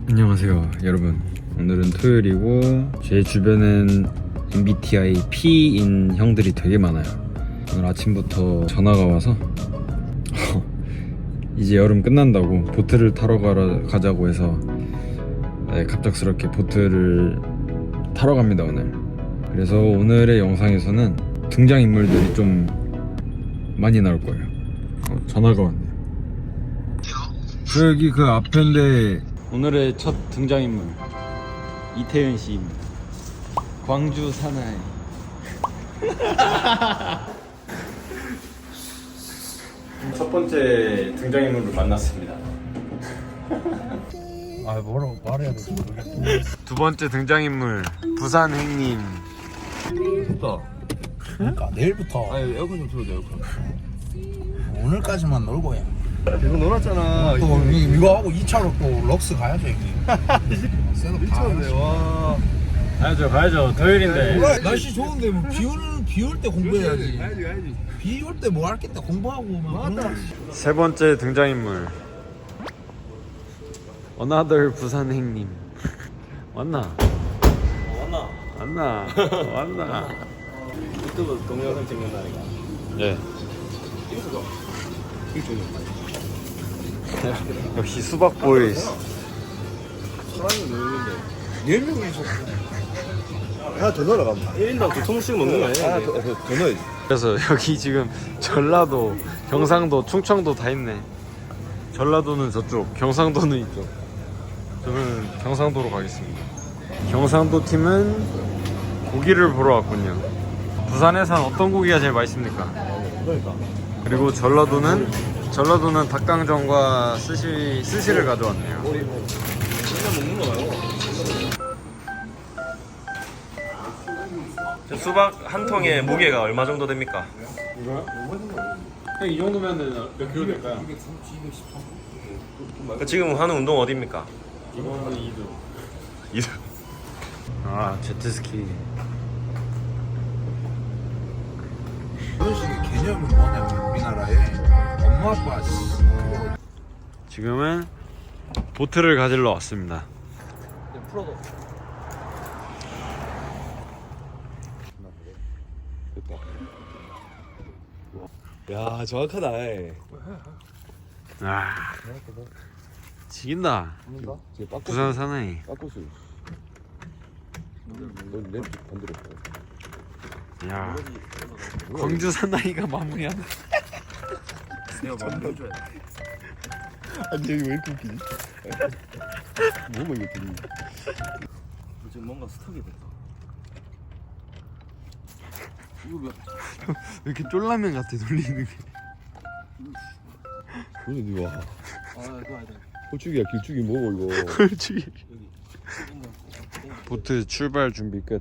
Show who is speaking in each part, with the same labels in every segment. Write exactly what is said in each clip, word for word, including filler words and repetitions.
Speaker 1: 안녕하세요 여러분. 오늘은 토요일이고 제 주변엔 엠비티아이 P인 형들이 되게 많아요. 오늘 아침부터 전화가 와서 이제 여름 끝난다고 보트를 타러 가러 가자고 해서 네, 갑작스럽게 보트를 타러 갑니다 오늘. 그래서 오늘의 영상에서는 등장인물들이 좀 많이 나올 거예요. 어, 전화가 왔네요. 저기 그 앞인데 오늘의 첫 등장인물 이태현 씨입니다. 광주 사나이. 첫 번째 등장인물을 만났습니다.
Speaker 2: 아 뭐라고 말해야 될지 모르겠어.
Speaker 1: 두 번째 등장인물 부산 행님.
Speaker 2: 좋다. 그러니까 내일부터
Speaker 3: 아니 에어컨 좀 틀어줘. 에어컨.
Speaker 2: 오늘까지만 놀고 해.
Speaker 3: 계속 놀았잖아.
Speaker 2: 또 이, 이거 하고 이 차로 또 럭스 가야죠 형님. 셋업 다
Speaker 3: 미쳤네. 와.
Speaker 1: 가야죠 가야죠. 토요일인데.
Speaker 2: 그래, 날씨 좋은데 뭐 비올 비올 때 공부해야지.
Speaker 3: 가야지 가야지.
Speaker 2: 비 올 때 뭐 할 게 있다 공부하고 막.
Speaker 3: 맞다.
Speaker 1: 세 번째 등장인물 어나더 부산 행님. 왔나?
Speaker 3: 왔나?
Speaker 1: 왔나? 왔나?
Speaker 3: 유튜브 동영상 찍는다니까.
Speaker 1: 예.
Speaker 3: 이거 이거
Speaker 1: 역시 수박 보이스.
Speaker 3: 사람이 놀는데.
Speaker 2: 네 명이서
Speaker 3: 하나 더 넣으러 가면 일 인당 두 통씩 먹는 거 아니야? 하나 더, 더, 더 넣어야지.
Speaker 1: 그래서 여기 지금 전라도, 경상도, 충청도 다 있네. 전라도는 저쪽, 경상도는 이쪽. 저는 경상도로 가겠습니다. 경상도 팀은 고기를 보러 왔군요. 부산에선 어떤 고기가 제일 맛있습니까?
Speaker 3: 그러니까.
Speaker 1: 그리고 전라도는 전라도는 닭강정과 스시 스시를 가져왔네요.
Speaker 3: 우리 뭐 진짜 먹는 거 말고. 저 수박 한 통의 무게가 얼마 정도 됩니까?
Speaker 1: 이거요? 이 정도면은 몇 킬로 될까요?
Speaker 3: 그 지금 하는 운동 어디입니까?
Speaker 1: 이거는 이 두.
Speaker 3: 이두.
Speaker 1: 아 제트스키.
Speaker 2: 이런 식의 개념이 뭐냐면 우리나라에 엄마 아빠 그거
Speaker 1: 지금은 보트를 가지러 왔습니다.
Speaker 3: 풀어도. 야 정확하다.
Speaker 1: 아 지긴다. 부산 사나이.
Speaker 3: 빠꾸수. 넌내 반대로.
Speaker 1: 야 광주 사나이가 마무리하네.
Speaker 3: 내가 만들어줘야 돼. 아니 여기 왜 이렇게 웃기지? 뭐가 이거 들리? 지금 뭔가 스톡이 됐다. 이거 왜?
Speaker 1: 왜 이렇게 쫄라면 같아 돌리는 게.
Speaker 3: 근데 니가
Speaker 2: 아 그거 아니다.
Speaker 3: 호축이야 길쭉이 먹어 이거.
Speaker 1: 그렇지. 보트 출발 준비 끝.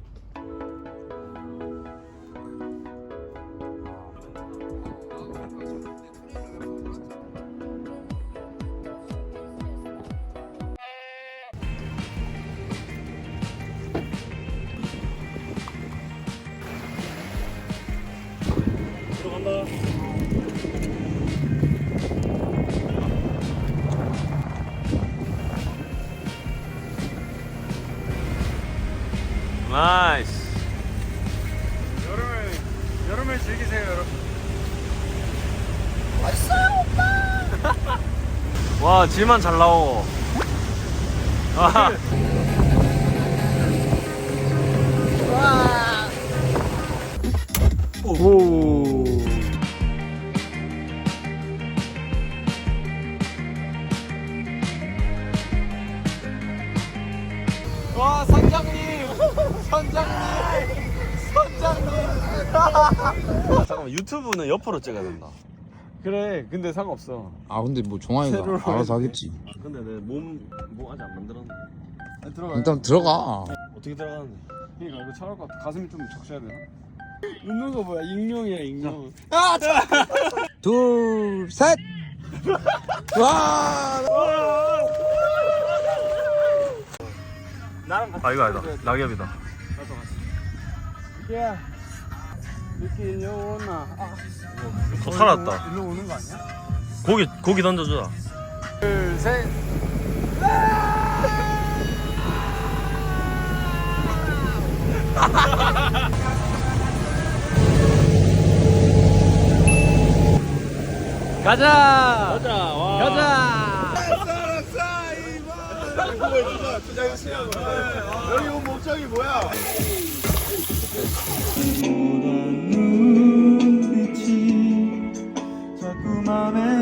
Speaker 3: 들어간다.
Speaker 1: 나이스. 여름을 여름을 즐기세요 여러분.
Speaker 2: 맛있어요 오빠.
Speaker 1: 와 질만 잘 나오. 아. 오.
Speaker 2: 와 선장님 선장님 선장님.
Speaker 3: 잠깐만 유튜브는 옆으로 찍어야 된다.
Speaker 1: 그래 근데 상관없어.
Speaker 2: 아 근데 뭐 종아이가
Speaker 1: 세로로
Speaker 2: 알아서 하겠지.
Speaker 3: 근데 내 몸 뭐 아직 안 만들었네.
Speaker 1: 들어가.
Speaker 2: 일단 들어가.
Speaker 3: 어떻게 들어가는데?
Speaker 1: 그러니까 이거 차갈 것 같아. 가슴이 좀 적셔야 되나? 웃는 거 뭐야? 익룡이야 익룡.
Speaker 2: 둘 셋. 와.
Speaker 3: 아 이거 아니다. 낙엽이다.
Speaker 1: 야 이렇게 일로 오나? 아.
Speaker 3: 어, 살았다.
Speaker 1: 일로 오는 거 아니야?
Speaker 3: 고기 고기 던져주자.
Speaker 1: 둘 셋. 가자.
Speaker 3: 가자. 와.
Speaker 1: 가자.
Speaker 2: 여기 온 목적이 뭐야?
Speaker 3: 자꾸 맘에